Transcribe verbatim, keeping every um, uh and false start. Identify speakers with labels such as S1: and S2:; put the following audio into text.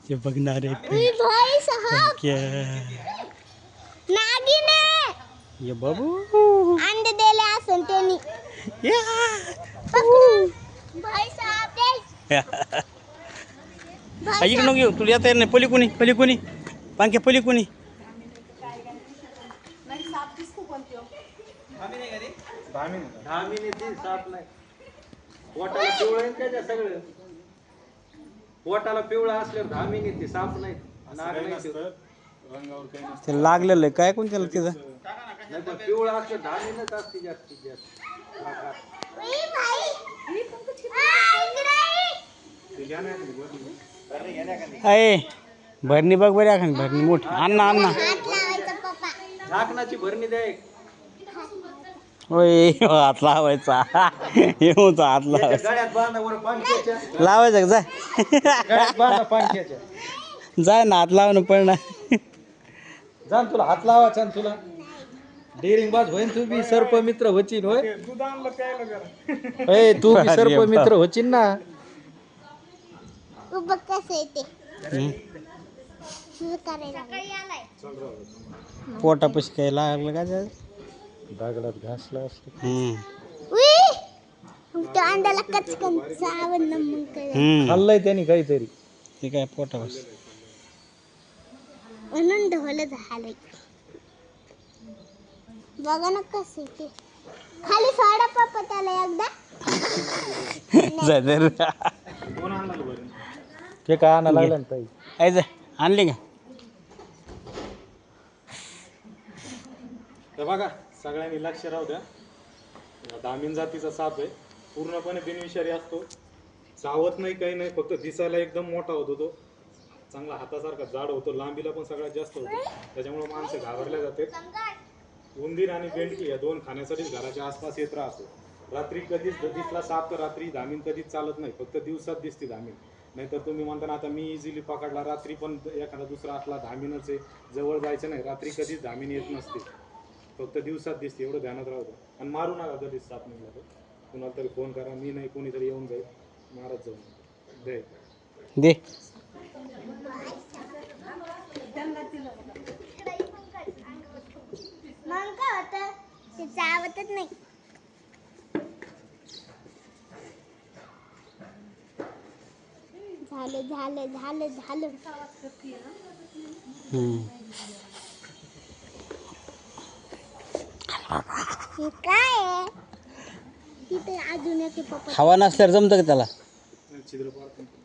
S1: ते बघणारे
S2: उई भाई साहब
S1: क्या
S2: नागिन आहे.
S1: ये बाबू
S2: अंडे दिले असन त्यांनी
S1: या
S2: पकडून भाई साहब दे भाई
S1: इकडे नको येऊ तुला येता येत नाही पली कोणी पली कोणी पांख्या पली कोणी
S3: पोटाला पिवळं आहे त्याच्या सगळं पोटाला पिवळं असल्यावर धामी येते साप नाही नाग नाही ते.
S1: ते लागलेलं आहे काय कोण त्याला तिथं
S3: नाही पण पिवळं असलं धामीनच असते जास्तीत जास्त आकार.
S2: उई भाई आ, इकडे ये.
S1: अय भरणी बघ बरी आखण भरणी मोठी अण्णा अण्णा
S2: हात लावायचा पप्पा
S3: झाकणाची भरणी द्या एक.
S1: होय हात लावायचा येऊचा हात
S3: त्याच्या
S1: लावायचा
S3: गळ्यात बांधा वर पाणक्याच्या
S1: लावायचा का जाय
S3: गळ्यात बांधा पाणक्याच्या
S1: जाय ना हात लावणं पडणार
S3: जाण तुला हात लावायचा आणि तुला डेरिंग बाज होईन तू बी सर्प मित्र होचीन होय ए तू बी सर्प मित्र होचीन ना
S2: तू बघ कसं येते तुझं करायला
S1: पोटापाशी काय लागलं का जाय
S3: दागडात घासला असतो
S1: हम्म
S2: उई त्या अंड्याला कचकन चावण न मग काय
S1: हम्म
S3: खाल्लंय त्यांनी काहीतरी
S1: ते काय पोटापाशी
S2: म्हणून ढोल झालंय बघा ना कसं येते खाली सोडा पप्पा त्याला एकदा
S1: जाय दे रे.
S3: ते काय आणा लागलं ना ताई
S1: आई जाय आणली का
S4: तर बघा सगळ्यांनी लक्ष राहू द्या दामिन जातीचा साप आहे पूर्णपणे बिनविषारी असतो चावत नाही काही नाही फक्त दिसायला एकदम मोठा होतो तो चांगला हातासारखा जाड होतो लांबीला पण सगळ्यात जास्त होतो त्याच्यामुळे माणसं घाबरल्या जाते उंदीर आणि बेंडकी या दोन खाण्यासाठीच घराच्या आसपास येत राहतो रात्री कधीच दिसला साप तर रात्री धामीन कधीच चालत नाही फक्त दिवसात दिसते धामीन नाहीतर तुम्ही म्हणता ना आता मी इझिली पकडला रात्री पण एखादा दुसरा असला धामीनच आहे जवळ जायचं नाही रात्री कधीच धामीन येत नसते फक्त दिवसात दिसते एवढं ध्यानात राहू द्या आणि मारू नका कधीच साप निघाला तर कुणाला तरी फोन करा मी नाही कोणीतरी येऊन जाईल मारत जाऊ दे
S1: दे
S2: मग काय होतं ते चावतच नाही झालं झालं झालं झालं
S1: हम्म
S2: हे काय आहे तिथे अजून एक पप्पा
S1: हवा नसल्यावर जमतं का त्याला
S4: छिद्र पाडतो